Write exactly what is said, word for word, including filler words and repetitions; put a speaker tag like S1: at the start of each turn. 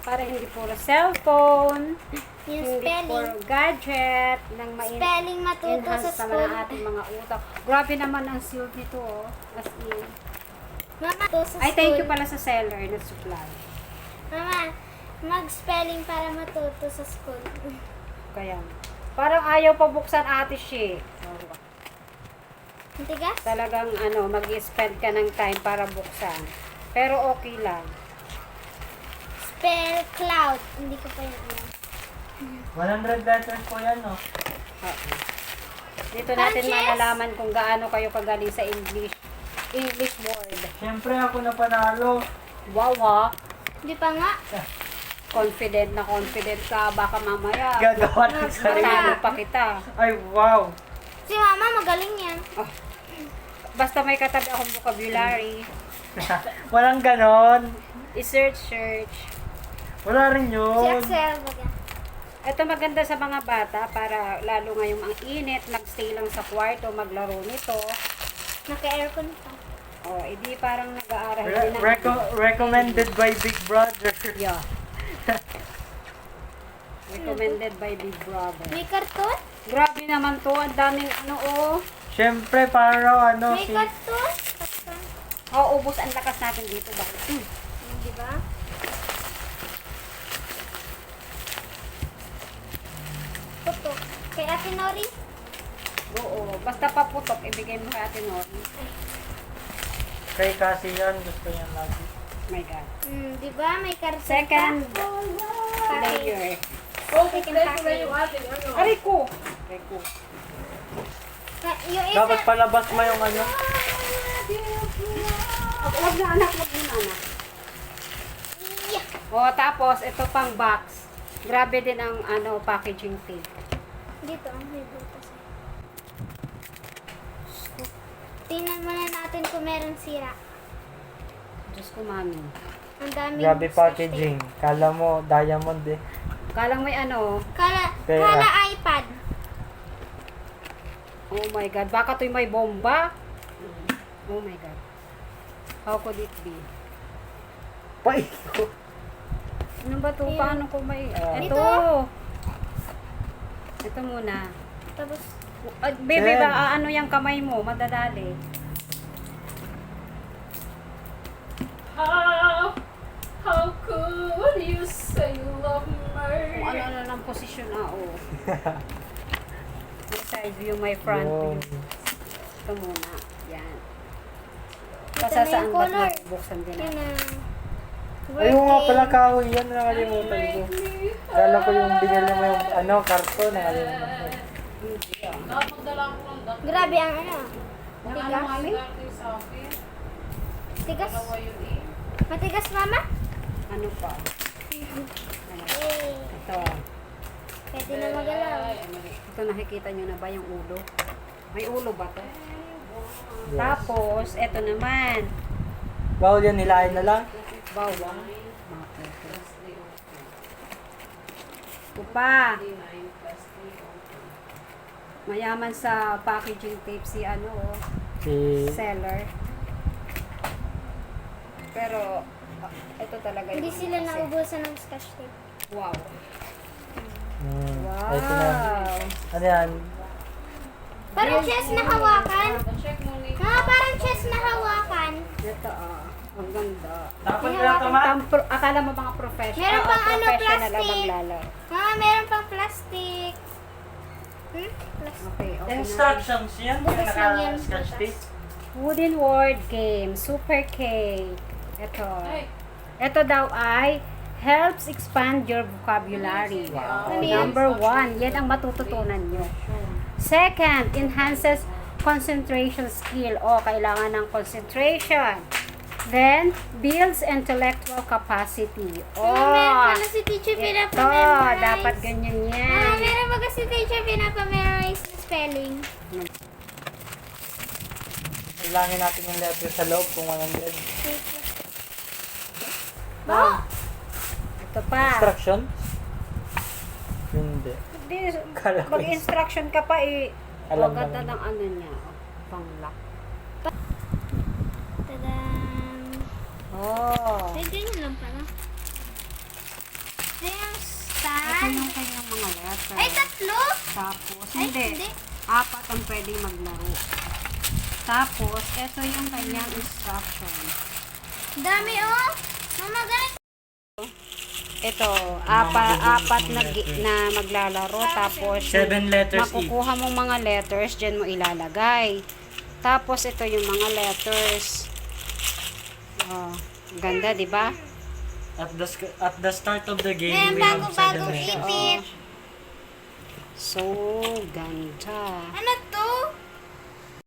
S1: Para hindi puro cellphone,
S2: Yung
S1: hindi
S2: spelling.
S1: puro gadget, nang
S2: Spelling matuto
S1: ma-enhance
S2: sa
S1: naman
S2: school.
S1: ang ating mga utak. Grabe naman ang seal nito, oh. As in.
S2: Mama, to sa
S1: Ay,
S2: school.
S1: thank you pala sa seller na supply.
S2: Mama, mag-spelling para matuto sa school.
S1: Kaya, parang ayaw pa buksan ate siya.
S2: Ang tigas?
S1: Talagang ano, mag-spend ka ng time para buksan. Pero okay lang.
S2: Spell cloud. Hindi ko pa yun alam.
S3: one hundred letters po yan, no?
S1: Oo. Dito
S2: Parang
S1: natin
S2: chess.
S1: malalaman kung gaano kayo kagaling sa English. English word.
S3: Siyempre ako na panalo.
S1: Wow ha.
S2: Hindi pa nga.
S1: Confident na confident ka. Baka mamaya.
S3: Gagawa ng sarili.
S1: Matalo pa kita.
S3: Ay, wow.
S2: Si mama magaling yan.
S1: Basta may katabi akong vocabulary.
S3: Walang ganon.
S1: I-search, search.
S3: Wala rin
S2: Si
S3: yun.
S2: Axel. Baga.
S1: Ito maganda sa mga bata para lalo ngayong ang init, nagstay lang sa kwarto, maglaro nito.
S2: Naka-aircon pa.
S1: O, edi parang nag-aaral
S3: Re-
S1: din ng...
S3: reco- recommended by Big Brother.
S1: Yeah. Recommended by Big Brother.
S2: May karton?
S1: Grabe naman to, ang daming ano oh.
S3: Siyempre, para ano,
S2: May
S3: si...
S2: karton? Karton.
S1: Oh, ubos ang lakas natin dito ba? Hmm.
S2: Hmm, di ba? Puto. Kay Ate Nori?
S1: Oo, basta paputok, ibigay mo kay Ate Nori.
S3: Kay kasi yan, gusto niya lagi.
S1: My God.
S2: Hmm, di ba? May karton
S1: Second
S2: pa.
S1: layer.
S2: Okay, second package.
S1: Aray ko! Aray ko.
S2: Ka- Yung isa,
S3: Dapat palabas mo yung ano.
S1: Huwag na anak, huwag na anak.
S2: Yeah.
S1: O, tapos, ito pang box. Grabe din ang ano packaging tape.
S2: Dito, may butas. Tingnan muna natin kung meron sira.
S1: Diyos ko, mami.
S2: Ang daming
S3: Grabe
S2: scotch
S3: packaging. Kala mo, diamond eh.
S1: Kalang may ano,
S2: tape. Kala,
S3: Kaya-
S2: kala iPad.
S1: oh my God, baka to'y may bomba. Oh my God. How could it be?
S3: Pay ko.
S1: Ano ba to?
S2: Ayun.
S1: Paano ko may...
S3: Ah.
S1: ito.
S2: Ito.
S1: Ito muna.
S2: Tapos,
S1: Uh, baby,
S3: Jen.
S1: ba ano yung kamay mo? Madadali.
S4: How, how could you say you love
S1: Kung
S4: me?
S1: ano-ano ng posisyon na, oh. May side view, may front
S3: Yun.
S1: view. Ito muna. Yan.
S2: Ito
S1: Basta
S2: na
S1: saan
S2: yung
S1: ba't
S2: color.
S1: mabubuksan din
S2: yun
S1: natin?
S2: na.
S3: Ayun nga pala kahoy yan, nakalimutan ko. Kala ko yung binili mo yung ano, karton, nakalimutan ko.
S4: Napagdala ko ng dak.
S2: Grabe ang ano.
S1: Ang ano,
S2: Tigas.
S1: mami?
S4: Dati sa akin.
S2: Tigas.
S4: Dalawa yun eh.
S2: Matigas, mama?
S1: Ano pa? Ano?
S2: Eh,
S1: Ito.
S2: pwede na magalaw.
S4: Ay, mali.
S1: Ito nakikita nyo na ba yung ulo? May ulo ba to?
S3: Yes.
S1: Tapos, ito naman.
S3: Bawal yan, nilain na lang.
S1: Bawang. Ito pa. Mayaman sa packaging tape si ano, oh,
S3: Si...
S1: seller. Pero, ah, ito talaga yung
S2: Hindi sila
S1: ano kasi.
S2: naubusan ng scotch tape.
S1: Wow.
S3: Hmm,
S1: Wow.
S3: ito na. Ano yan?
S2: Parang chess na hawakan.
S4: Check mo ni.
S2: Ah, parang chess na hawakan.
S1: Ito, ah. Ang ganda.
S3: Dapat
S2: Kaya
S3: na
S2: ako
S3: tama.
S1: Ang pro- akala mo mga professional?
S2: Meron pang ano,
S1: professional ang
S2: plastic.
S1: maglalaro.
S2: Ah, meron pang plastic. Hmm? Plastic.
S1: Okay, okay na.
S3: Instructions yan.
S2: Bukas
S3: Yung
S2: lang yan,
S3: naka-sketch
S2: bukas.
S3: tape.
S1: Wooden word game, Super K. Ito.
S4: Ay,
S1: Ito daw ay helps expand your vocabulary.
S3: Wow.
S2: Ano yan?
S1: Number one, yan ang matututunan nyo. Second, enhances concentration skill. O, kailangan ng concentration. Then, builds intellectual capacity. O,
S2: Ah, meron pala si teacher
S1: ito,
S2: pinapamemorize.
S1: dapat ganyan
S2: Ah,
S1: yan.
S2: meron ba kasi teacher pinapamemorize na spelling?
S3: Ilangin natin yung letter sa loob kung one hundred.
S2: Oh!
S1: Ito pa.
S3: Instruction? Hindi.
S1: Di,
S3: Kala ko
S1: mag-instruction ka pa eh.
S3: Alam
S1: Ang ganda
S3: naman.
S1: ng ano niya. Pang-lock.
S2: Tadaan!
S1: Oh.
S2: Ay, ganyan lang pala.
S1: letter.
S2: Ay, tatlo?
S1: Tapos,
S2: Ay,
S1: hindi.
S2: hindi.
S1: Apat ang pwedeng maglaro. Tapos, ito yung kanyang instruction.
S2: Dami, oh. Mama, ganito.
S1: Ito, apa, apat na, gi- na maglalaro. Tapos,
S3: Seven letters each.
S1: makukuha mong mga letters, dyan mo ilalagay. Tapos, ito yung mga letters. Oh, ganda, di ba?
S3: At the sc- at the start of the game,
S2: Ayan,
S3: we have seven
S2: bago-bagong
S3: letters.
S2: ipit.
S1: So, ganda.
S2: Ano